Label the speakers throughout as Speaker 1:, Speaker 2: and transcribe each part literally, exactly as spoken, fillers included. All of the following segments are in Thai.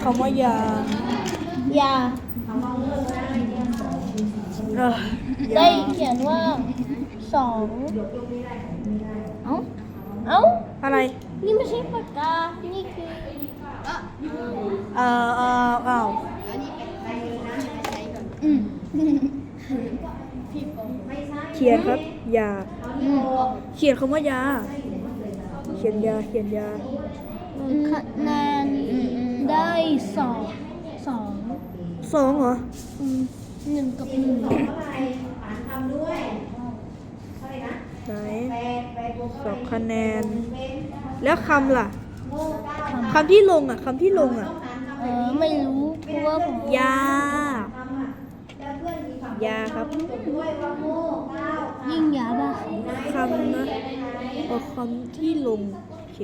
Speaker 1: คำว่ายา
Speaker 2: ยา
Speaker 1: เออ
Speaker 2: ได้เขียนว่าสองเอ้าเอ้า
Speaker 1: อะไร
Speaker 2: นี่ไม่ใช่ปากกา นี่คือ
Speaker 1: เออเอออ้าว
Speaker 2: อืม
Speaker 1: เขียนครับ ยา
Speaker 2: อืม
Speaker 1: เขียนคำว่ายา เขียนยา เขียนยา
Speaker 2: คะแนนได้สองสอง
Speaker 1: สองเหรอ
Speaker 2: อืมหนึ่งกับหนึ่ง
Speaker 1: ไหนสองคะแนน แล้วคำล่ะ คำที่ลงอ่ะ คำที่ลงอ่ะ
Speaker 2: เออไม่รู้เพราะว่าผม
Speaker 1: ยา ยาครับ
Speaker 2: ยิ่งยาบ้า
Speaker 1: คำนะเอาคำที่ลง โอเค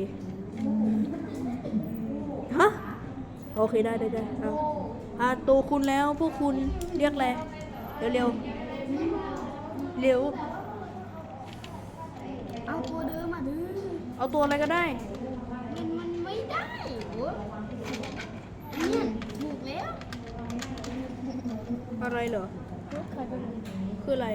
Speaker 1: ฮะ โอเคได้ได้ได้เอาอ่าตัวคุณแล้วพวกคุณเรียกอะไร เร็วเร็วเร็ว
Speaker 2: เอาตัวเดิมมาดื้อ
Speaker 1: เอาตัวอะไรก็ได้
Speaker 2: มันมันไม่ได้โอ้เนี่ยถูกแล้ว
Speaker 1: อะไรเหรอ คืออะไร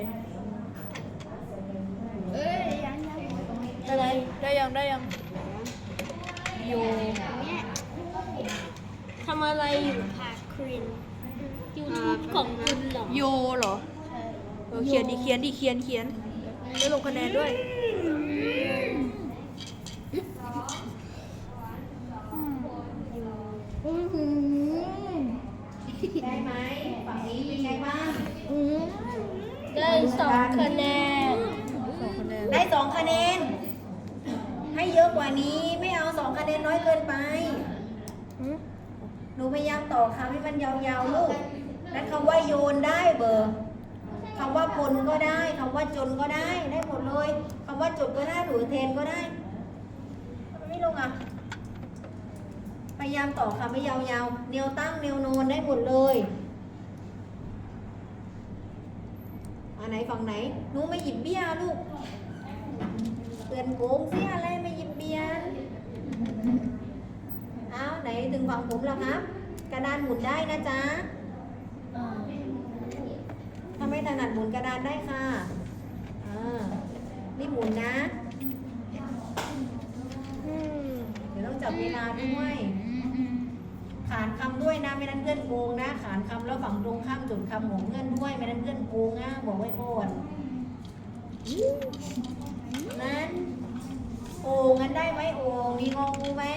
Speaker 2: เอ้ยยังยัง
Speaker 1: ได้ไหมได้ยังได้ยังโย
Speaker 2: เนี่ยทำอะไรอยู่ค่ะครินยูทูบของคุณเหรอ
Speaker 1: โยเหรอเออเขียนดิเขียนดิเขียนเขียนได้ลงคะแนนด้วย
Speaker 3: ได้ไหมฝั่งนี้เป็นไงบ้าง
Speaker 2: อืมได้สองคะแนน
Speaker 1: สองคะแนน
Speaker 3: ได้สองคะแนน ให้เยอะกว่านี้ไม่เอาสองคะแนนน้อยเกินไป
Speaker 1: หืม
Speaker 3: หนูพยายามต่อคำให้มันยาวๆลูกนั้นคำว่าโยนได้เบอร์คำว่าพลก็ได้คำว่าจนก็ได้ได้หมดเลยคำว่าจบก็ได้หรือเทนก็ได้ทำไมไม่ลงอ่ะ พยายามต่อคำให้ยาวๆแนวตั้งแนวโนนได้หมดเลยอันไหนฝั่งไหนหนูไม่หยิบเบี้ยลูกเตือนโกงเสียอะไรไม่หยิบเบี้ยเอาไหนถึงฝั่งผมแล้วครับ กระดานหมุนได้นะจ๊ะถ้าไม่ถนัดหมุนกระดานได้ค่ะอ่านี่หมุนนะ
Speaker 1: อืม
Speaker 3: เดี๋ยวต้องจับเวลาด้วยขานคำด้วยนะไม่นั้นเพื่อนโกงนะขานคำแล้วฝั่งตรงข้ามจดคำของเพื่อนด้วยไม่นั้นเพื่อนโกงนะบอกไว้ก่อนนั้นโอ่งงั้นได้ไหมโอ่งมีงองูไหม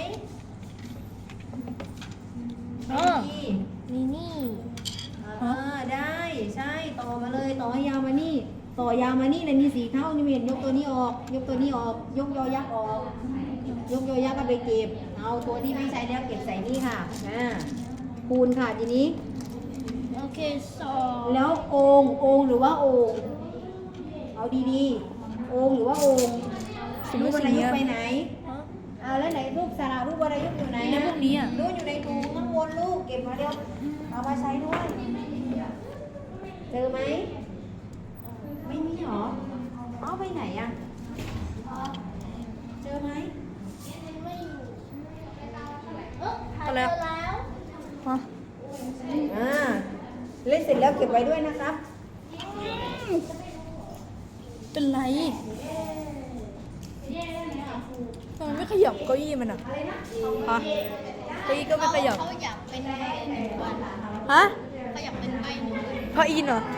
Speaker 2: อ๋อ
Speaker 3: มี
Speaker 2: นี่นี่
Speaker 3: เออได้ใช่ต่อมาเลยต่อให้ยาวมานี่ ต่อยาวมานี่เลยมีสีเท่านี่เห็นยกตัวนี้ออก ยกตัวนี้ออก ยกยอยักษ์ออก ยกยอยักษ์ก็ไปเก็บ เอาตัวที่ไม่ใช้แล้วเก็บใส่นี่ค่ะอ่าคูณค่ะทีนี้
Speaker 2: โอเคสอง
Speaker 3: แล้วโองโองหรือว่าโองเอาดีๆโองหรือว่าโองรูปวรรณยุกต์ไปไหนเอาแล้วไหนรูปสระรูปวรรณยุกต์อยู่ไหน
Speaker 1: ในพวกนี้อ่ะ
Speaker 3: รูปอยู่ในถุงข้างบนลูกเก็บมาเร็วเอามาใช้ด้วยเจอไหมไม่มีหรอเอาไปไหนอ่ะเจอไหม
Speaker 2: ไม่อยู่เออหาย
Speaker 1: อะไร
Speaker 2: ไป
Speaker 1: อ่ะ
Speaker 2: แล้ว
Speaker 1: ฮะ
Speaker 3: อ่าเล่นเสร็จแล้วเก็บไว้ด้วยนะครับ
Speaker 1: เป็นไรทำไมไม่ขยับเก้าอี้มันอ่ะฮะเก้าอี้ก็ไม่ขยับ
Speaker 2: เขาอยากเป็นใบหนึ่งวัน
Speaker 1: ฮะ
Speaker 2: เขาอยากเป็นใบหนึ่งวัน
Speaker 1: พระอินทร์เหรอ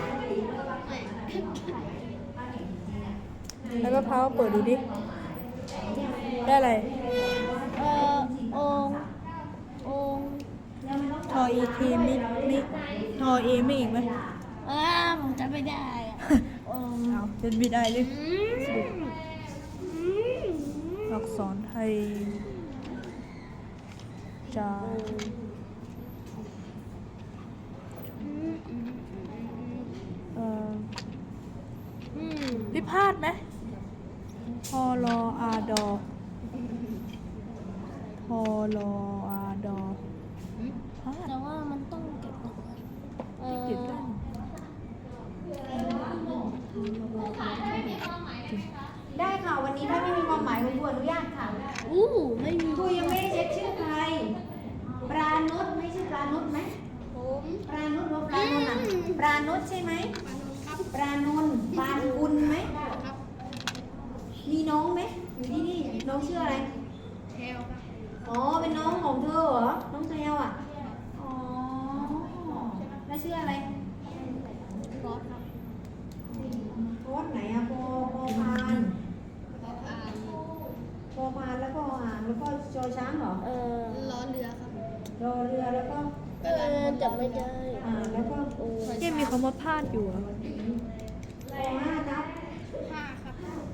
Speaker 1: แล้วมะพร้าวเปิดดูดิ ได้อะไร
Speaker 2: เอ่อองค์องค์
Speaker 1: ทอเอเทไม่ไม่ทอเอไม่อีกไหม
Speaker 2: อ่าผมจะไม่ได้อะองค์
Speaker 1: เอาเป็นบิดได้เลย
Speaker 2: อืมอืม
Speaker 1: อักษรไทยจาเอ่อ
Speaker 2: อืม
Speaker 1: พิพาทไหมพอรออาดอพอรออาดอพาด
Speaker 2: แต่ว่ามันต้องเก็บเอาไว้เออ
Speaker 1: เก็บได้
Speaker 3: ได้ค่ะวันนี้ถ้าไม่มีความหมายคุณครูอนุญาตค่ะ
Speaker 2: อู้ไม่มี
Speaker 3: ครูยังไม่ได้เช็คชื่อใครปรานุชไม่ใช่ปรานุชใช่ไหมปรานนท์ปานคุณไหมมีน้องไหมอยู่ที่นี่น้องชื่ออะไรเทลอ๋อเป็นน้องของเธอเหรอน้องเทลอ่ะอ๋อแล้วชื่ออะไรโค้ดครับโค้ดไหนอะปอปอพานปอพานแล้วก็อ่านแล้วก็จอช้างเหรอ
Speaker 2: เออ
Speaker 4: ล้อเรือครับ
Speaker 3: รอเรือแล้วก็
Speaker 2: เออจำไม่ได้
Speaker 3: อ่านแล้วก็โอ้
Speaker 1: เกมมีคำว่าพลาดอยู่อะ
Speaker 3: ปอห้าทับ
Speaker 4: ห้าครับ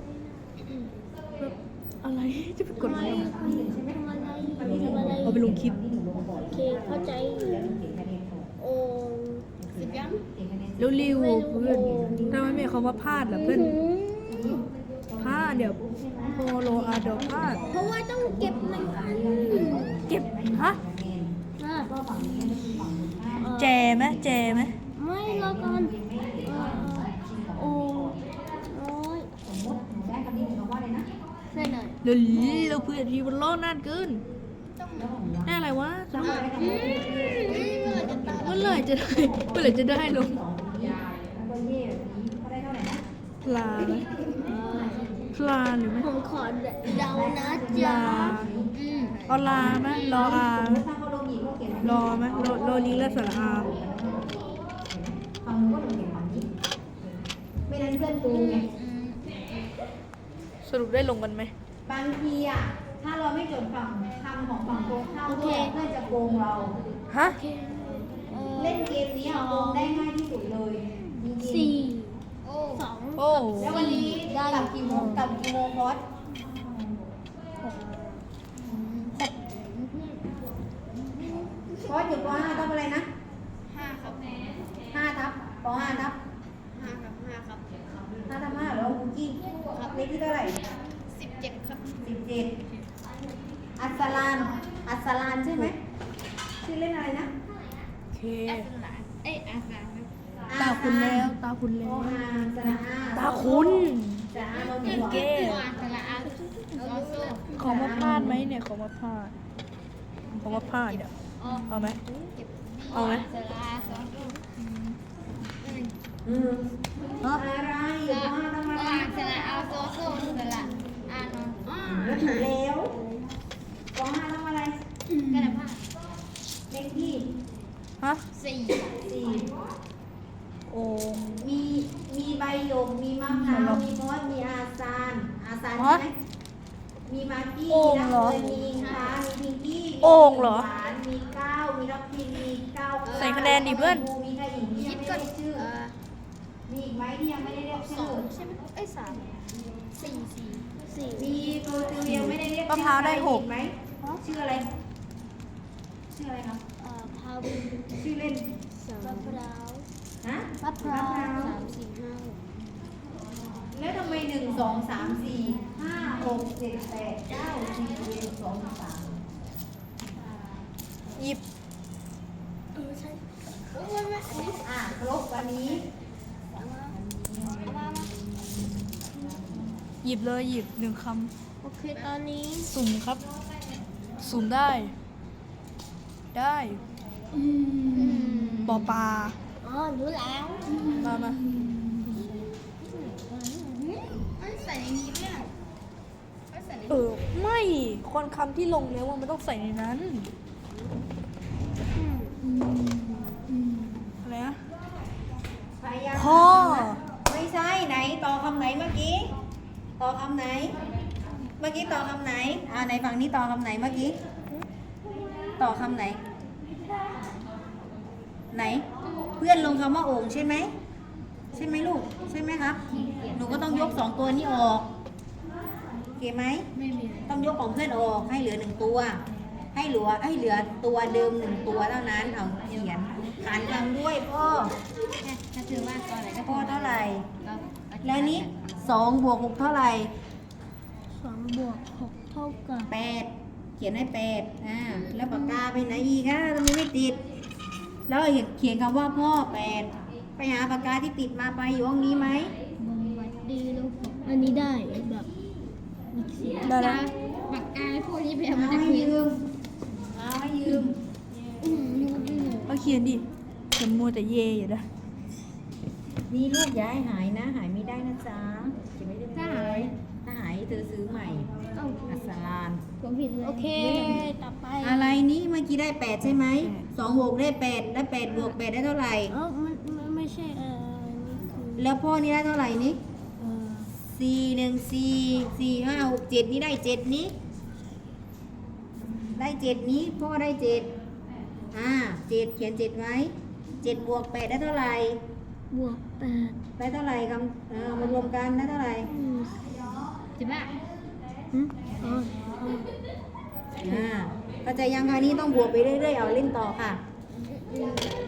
Speaker 1: อะไรจะไปกดอะไร
Speaker 2: ทำอะไรทำอะไร
Speaker 1: เอาไปลงคลิป
Speaker 2: โอเคเข้าใจอยู่โอ้
Speaker 4: สิบยัง
Speaker 1: แล้วริวเพื่อนทำไมไม่มีคำว่าพลาดล่ะเพื่อนพลาดเดี๋ยวโพโลอาเดี๋ยวพลาด
Speaker 2: เพราะว่าต้องเก็บหนึ่งอัน
Speaker 1: เก็บฮะ
Speaker 2: อ่ะ
Speaker 1: แจไหมแจไหม
Speaker 2: ไม่รอก่อนเอ่อโอ้โอ้ย
Speaker 3: สมมติหนูได้คำนี้หนูคำว่าอะไรนะ
Speaker 2: ใช่หน่อย
Speaker 1: เดี๋ยวเราเพื่อนทีมันล้อนานเกินได้อะไรวะสนุก
Speaker 2: อืม
Speaker 1: เมื่อไหร่จะได้เมื่อไหร่จะได้ลง
Speaker 3: แล้วก็เย่แบบนี้เขาได้เท่าไหร่นะ
Speaker 1: พลาไหมพลาหรือไม่
Speaker 2: ผมขอเดานะ
Speaker 1: ล
Speaker 2: จ๊ะ
Speaker 1: า
Speaker 2: อืม
Speaker 1: เอาลาไหมรออา
Speaker 3: สมมติถ้าเขาลงหญิงก็เขียน
Speaker 1: รอไหมรอรอลิงและสระอา
Speaker 3: ฝั่งนู้นก็ลงเขียนฝั่งนี้ไม่นั้นเพื่อนกูไง
Speaker 1: สรุปได้ลงกันไหม
Speaker 3: บางทีอ่ะถ้าเราไม่จดฝั่งคำของฝั่งตรงข้ามด้วยเพื่อนจะโกงเรา
Speaker 1: ฮะ
Speaker 2: เอ่อ
Speaker 3: เล่นเกมนี้อะโกงได้ง่ายที่สุดเลยจริงๆ
Speaker 2: สี่
Speaker 4: โอ้
Speaker 2: สอง
Speaker 1: โอ้
Speaker 3: แล้ววันนี้กลับกี่โมงกลับกี่โมงพอดพอดอยู่ปห้าทับอะไรนะ
Speaker 4: ห้าครับ
Speaker 3: ห้าทับปห้าทับ
Speaker 4: ห้าครับห้าครับ
Speaker 3: ห้าทับห้าแล้วคุกกี้เลขที่เท่าไหร่
Speaker 4: สิบเจ็ดครับ
Speaker 3: สิบเจ็ดอัสสลาน อัสสลานใช่ไหมชื่อเล่นอะไรนะ
Speaker 1: โอเค
Speaker 4: อาสลานเอ้ยอาสลานครับ
Speaker 1: ตาคุณแล้วตาคุณ
Speaker 3: โอ
Speaker 1: แล้ว
Speaker 3: อาสระอา
Speaker 1: ตาคุณ
Speaker 3: สระอาโนมี
Speaker 1: เก้
Speaker 4: อาสลานลอโซ่
Speaker 1: ขอมาพลาดไหมเนี่ยขอมาพลาดขอมาพลาดเดี๋ยว
Speaker 4: อ๋อ
Speaker 1: เอาไหม
Speaker 4: เก็บ
Speaker 1: เอาไหม
Speaker 4: สลาสองตัว
Speaker 3: อืม
Speaker 1: ฮะ
Speaker 3: อะไรอยู่ปห้าทำอะไร
Speaker 4: อาสลาเอาโซโซ่สลาอ่านอ๋อ
Speaker 3: แล้วถูกแล้วปห้าทำอะไร
Speaker 4: กระดาษผ้า
Speaker 3: เลขที่
Speaker 1: ฮะ
Speaker 4: สี่
Speaker 3: สี่
Speaker 1: โอ่ง
Speaker 3: มีมีใบหยกมีมะพร้าวมีมอสมีอาซานอาซานใช่ไหมมีมากกี้
Speaker 1: โอ่ง
Speaker 3: มี
Speaker 1: เหรอ
Speaker 3: น้ำเงินมีอิงฟ้ามีพิงกี้มี
Speaker 1: โอ่งเหรอ
Speaker 3: หวานมีก้าวมีรับพินมีก้าว
Speaker 1: ใส่คะแนนดิเพื่อน
Speaker 3: มีใครอีกที่
Speaker 4: คิ
Speaker 3: ยัง
Speaker 4: ด
Speaker 3: ไม่
Speaker 4: ก่อน
Speaker 3: ได้ชื่อ
Speaker 4: เอ่อ
Speaker 3: มีอีกไหมที่ยังไม่ได้เรียก
Speaker 4: ส
Speaker 3: ชื่
Speaker 4: อ
Speaker 3: อง
Speaker 4: ใช่ไหมเอ้ยสามสี่สี่
Speaker 2: สี่
Speaker 3: มีโปรติวยังไม่ได้เรียก
Speaker 1: มะพร้าวได้หก
Speaker 3: ไหมชื่ออะไร ชื่ออะไรครับ
Speaker 2: เอ่อพาวิน
Speaker 3: ชื่อเล่น
Speaker 2: สองมะพร้าว
Speaker 3: ฮะ
Speaker 2: มะพร้าว
Speaker 3: มะพร้าว
Speaker 2: สามสี่ห้าหก
Speaker 3: แล้วทำไมหนึ่งสองสามสี่ห้าหกเจ็ดแปดเก้าสิบเอ็ดสองสาม
Speaker 1: หยิบ
Speaker 2: เออใช่
Speaker 4: โอ้ยไม่อันนี้
Speaker 3: อ่ะครบวันนี้
Speaker 4: เอามาเอามามา
Speaker 1: หยิบเลยหยิบหนึ่งค
Speaker 2: โอเคตอนนี้
Speaker 1: ำสุ่มครับ สุ่มได้ ได้
Speaker 2: อืม
Speaker 1: ปอปลา
Speaker 2: อ๋อรู้แล้ว
Speaker 1: มามา
Speaker 4: มันใส่ในนี้ไหมอ่ะมันใส่ใน
Speaker 1: เออไม่คนคำที่ลงแล้วมันต้องใส่ในนั้น
Speaker 2: อืม
Speaker 1: อะไรนะ
Speaker 3: พยายาม
Speaker 1: พ่อ
Speaker 3: ไม่ใช่ไหนต่อคำไหนเมื่อกี้ ต่อคำไหน เมื่อกี้ต่อคำไหน อ่าในฝั่งนี้ต่อคำไหนเมื่อกี้ ต่อคำไหน ไหน เพื่อนลงคำว่าโอ่งใช่ไหม ใช่ไหมลูก ใช่ไหมครับ หนูก็ต้องยกสองตัวนี้ออกโอเคไหม
Speaker 4: ไม่มี
Speaker 3: ต้องยกของเพื่อนออกให้เหลือหนึ่งตัว ให้เหลือให้เหลือตัวเดิมหนึ่งตัวเท่านั้นเอาเขียนขานคำด้วยพ่อ
Speaker 4: ถ้าถือว่าตอนไหนก็
Speaker 3: พ่อเท่าไหร่
Speaker 4: เรา
Speaker 3: แล้วนี้สองบวกหกเท่าไหร่
Speaker 2: สองบวกหกเท่ากับ
Speaker 3: แปดเขียนให้แปดอ่าแล้วปากกาไปไหนอีกอ่ะทำไมไม่ติด แล้วเขียนคำว่าพ่อแปดไปหาปากกาที่ติดมาไปอยู่ห้องนี้ไหม
Speaker 2: วัดดีลูกอันนี้ได้แบบอีกเสีย
Speaker 1: ได้แล้ว
Speaker 4: ปากกาพวกนี้ไป
Speaker 3: เอา
Speaker 4: เอามาจาก
Speaker 3: ให้
Speaker 4: พื้น
Speaker 3: ยืมเอาให้ยืม
Speaker 2: อืมยูดี
Speaker 1: เอาเขียนดิจะมัวแต่เยอยู่นะ
Speaker 3: นี่ลูกอย่าให้หายนะ หายไม่ได้นะจ๊ะเก็บไว้ได้ไหม
Speaker 4: ถ้าหาย
Speaker 3: ถ้าหายเธอซื้อใหม่
Speaker 4: เอ้า
Speaker 3: อัสสลาน
Speaker 4: ผมผิดเลย
Speaker 2: โอเค ต่อไป
Speaker 3: อะไรนี่เมื่อกี้ได้แปดใช่ไหมสองบวกได้แปดแล้วแปดบวกแปดได้เท่าไหร่
Speaker 2: เอ้ามันมันไม่ใช่เออนี่คือ
Speaker 3: แล้วพ่อนี่ได้เท่าไหร่นี่
Speaker 2: เออ
Speaker 3: สี่หนึ่งสี่สี่ห้าหกเจ็ดนี่ได้เจ็ดนี้ ได้เจ็ดนี้พ่อได้เจ็ดอ่าเจ็ดเขียนเจ็ดไว้เจ็ดบวกแปดได้เท่าไหร่
Speaker 2: บวกแปด
Speaker 3: ได้เท่าไหร่คำเอ่อมารวมกันได้เท่าไหร่
Speaker 2: อืม
Speaker 4: ใช่ปะ
Speaker 2: อืมอ๋ออ๋อ
Speaker 3: อ่าเข้าใจยังคะนี่ต้องบวกไปเรื่อยๆเอาเล่นต่อค่ะ
Speaker 2: อืม